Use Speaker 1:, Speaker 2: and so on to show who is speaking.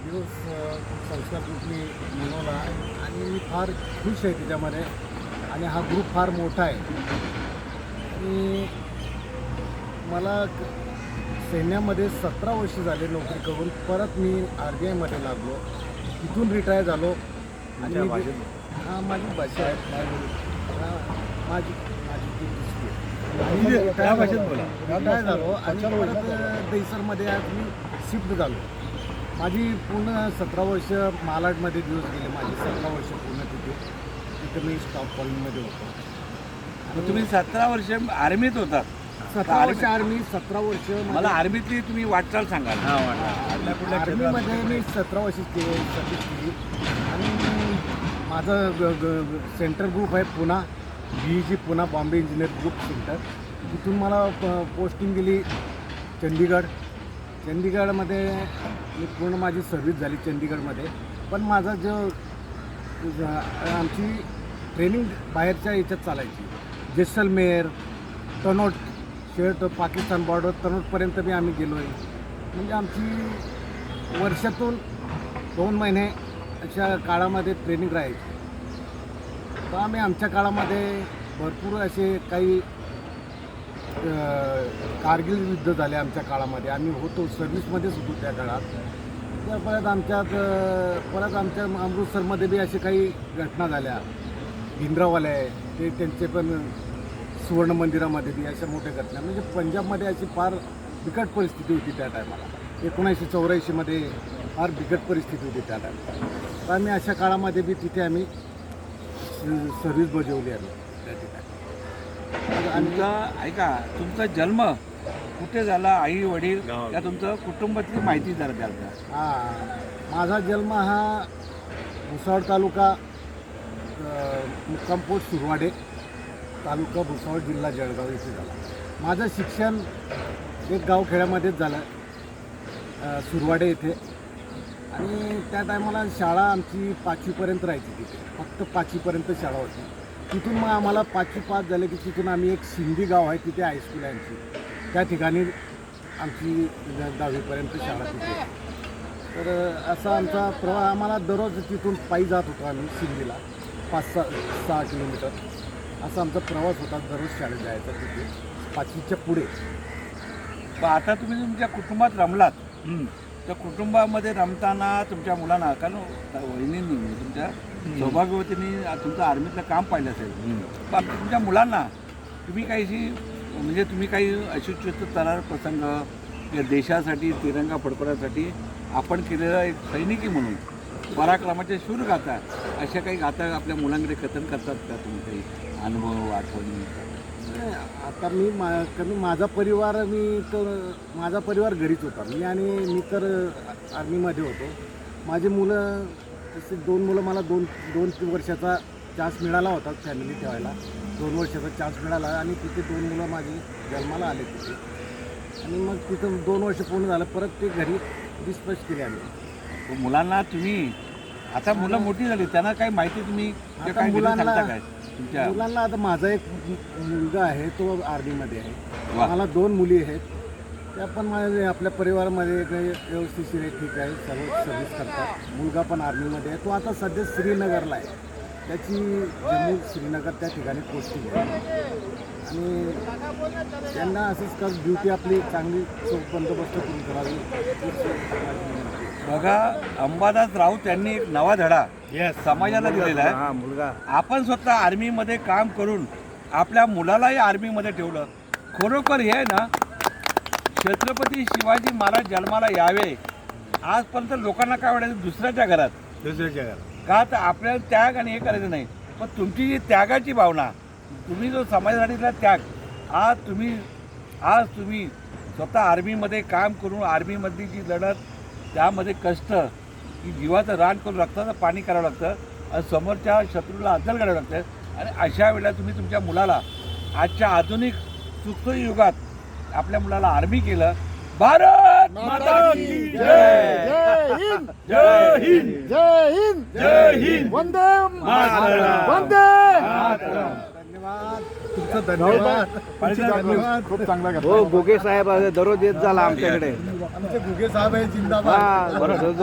Speaker 1: दिवस संस्कार ग्रुप मी मनवला आणि मी फार खुश आहे त्याच्यामध्ये. आणि हा ग्रुप फार मोठा आहे. आणि मला सैन्यामध्ये 17 वर्ष झाले नोकरी करून परत मी RBIमध्ये लागलो. तिथून रिटायर झालो. आणि हां, माझी भाषा आहे. माझी माझी ती दुसरी आहे.
Speaker 2: त्या भाषेत बोला.
Speaker 1: रिटायर झालो आणि परत दहिसरमध्ये आज मी शिफ्ट झालो. माझी पूर्ण 17 वर्ष मालाडमध्ये दिवस गेले. माझी 17 वर्ष पूर्ण तिथे मी स्टॉप कॉलनीमध्ये होतो.
Speaker 2: मग तुम्ही 17 वर्ष आर्मीत होतात.
Speaker 1: 17 वर्ष आर्मी, 17 वर्ष
Speaker 2: मला आर्मीतली तुम्ही वाटचाल सांगाल.
Speaker 1: आर्मीमध्ये मी 17 वर्ष सर्विस केली. आणि माझं सेंटर ग्रुप आहे Poona, BEG Poona, Bombay engineer group center. तिथून मला पोस्टिंग दिली चंदीगडमध्ये. मी पूर्ण माझी सर्व्हिस झाली चंदीगडमध्ये. पण माझा जो आमची ट्रेनिंग बाहेरच्या याच्यात चालायची. जैसलमेर, तनोट, शेट पाकिस्तान बॉर्डर तनोटपर्यंत बी आम्ही गेलो आहे. म्हणजे आमची वर्षातून 2 महिने अशा काळामध्ये ट्रेनिंग राहायची. तर आम्ही आमच्या काळामध्ये भरपूर असे काही कारगिल युद्ध झाले आमच्या काळामध्ये. आम्ही होतो सर्व्हिसमध्येच होतो त्या काळात. त्या परत आमच्या अमृतसरमध्ये बी असे काही घटना झाल्या. भिंद्रावाले ते त्यांचे पण सुवर्ण मंदिरामध्ये बी अशा मोठ्या घटना. म्हणजे पंजाबमध्ये अशी फार बिकट परिस्थिती होती त्या टायमाला. 1984मध्ये फार बिकट परिस्थिती होती त्या टायमाला. तर आम्ही अशा काळामध्ये बी तिथे आम्ही सर्व्हिस बजावली आम्ही त्या ठिकाणी.
Speaker 2: ऐका, तुमचा जन्म कुठे झाला, आई वडील या तुमचं कुटुंबातली माहिती जरा द्याल का?
Speaker 1: हां, माझा जन्म हा भुसावळ तालुका, मुक्काम पोस्ट सुरवाडे तालुका भुसावळ, जिल्हा जळगाव इथे झाला. माझं शिक्षण एक गावखेड्यामध्येच झालं, सुरवाडे येथे. आणि त्या टायमाला शाळा आमची 5वीपर्यंत राहायची तिथे. फक्त 5वीपर्यंत शाळा होती. तिथून मग आम्हाला 5वी पास झाले की तिथून आम्ही एक सिंधी गाव आहे तिथे हायस्कूल आहे आमची. त्या ठिकाणी आमची 10वीपर्यंत शाळा तिथे. तर असा आमचा प्रवास. आम्हाला दररोज तिथून पायी जात होतो आम्ही सिंधीला 5-6 किलोमीटर. असा आमचा प्रवास होता दररोज शाळेत जायचा तिथे 5वीच्या पुढे.
Speaker 2: पण आता तुम्ही तुमच्या कुटुंबात रमलात. त्या कुटुंबामध्ये रमताना तुमच्या मुलांना, कारण वहिनींनी तुमच्या सौभाग्यवतींनी तुमचं आर्मीतलं काम पाहिलं असेल. पण तुमच्या मुलांना तुम्ही काही अशी तरार प्रसंग या देशासाठी तिरंगा फडकवण्यासाठी आपण केलेला एक सैनिकी म्हणून पराक्रमाच्या शूर गाथा, अशा काही गाथा आपल्या मुलांकडे कथन करतात का तुम्ही? काही अनुभव, आठवणी?
Speaker 1: आता माझा परिवार घरीच होता. मी तर आर्मीमध्ये होतो. माझी मुलं तसे 2 मुलं मला 2 वर्षाचा चान्स मिळाला होता फॅमिली ठेवायला. 2 वर्षाचा चान्स मिळाला आणि तिथे 2 मुलं माझी जन्माला आले तिथे. आणि मग तिथं 2 वर्ष पूर्ण झालं, परत ते घरी डिस्पॅच केले आम्ही.
Speaker 2: मुलांना तुम्ही आता मुलं मोठी झाली, त्यांना काही माहिती तुम्ही काय
Speaker 1: मुलांना आता माझा एक मुलगा आहे, तो आर्मीमध्ये आहे. मला 2 मुली आहेत. त्या पण माझ्या आपल्या परिवारामध्ये व्यवस्थितशीर आहे, ठीक आहे, सर्व सर्व्हिस करतात. मुलगा पण आर्मीमध्ये आहे. तो आता सध्या श्रीनगरला आहे. त्याची जम्मू श्रीनगर त्या ठिकाणी पोस्टिंग आहे. आणि त्यांना असंच ड्युटी आपली चांगली बंदोबस्त करून करावी.
Speaker 2: बघा, अंबादास राऊत यांनी एक नवा धडा समाजाला दिलेला आहे.
Speaker 1: मुलगा
Speaker 2: आपण स्वतः आर्मीमध्ये काम करून आपल्या मुलालाही आर्मीमध्ये ठेवलं. खरोखर हे ना, छत्रपती शिवाजी महाराज जन्माला यावे आजपर्यंत लोकांना काय वाटायचं, दुसऱ्याच्या घरात का, तर आपल्याला त्याग आणि हे करायचं नाही. पण तुमची जी त्यागाची भावना, तुम्ही जो समाजासाठीचा त्याग, आज तुम्ही स्वतः आर्मीमध्ये काम करून आर्मीमधली जी लढत, त्यामध्ये कष्ट, की जीवाचं रान करून रक्ताचं पाणी करावं लागतं आणि समोरच्या शत्रूला अद्दल करावं लागतं. आणि अशा वेळेला तुम्ही तुमच्या मुलाला आजच्या आधुनिक सुखसोयी युगात आपल्या मुलाला आर्मी केलं. भारत माता की जय.
Speaker 1: जय हिंद,
Speaker 2: जय हिंद,
Speaker 1: जय हिंद,
Speaker 2: जय हिंद,
Speaker 1: वंदे
Speaker 2: मातरम,
Speaker 1: वंदे.
Speaker 2: मातरम.
Speaker 1: धन्यवाद, तुमचं धन्यवाद. खूप चांगला
Speaker 3: हो, गोगे साहेब दररोज येत झाला आमच्याकडे.
Speaker 1: आमचे घुगे साहेब आहे, जिंदाबाद.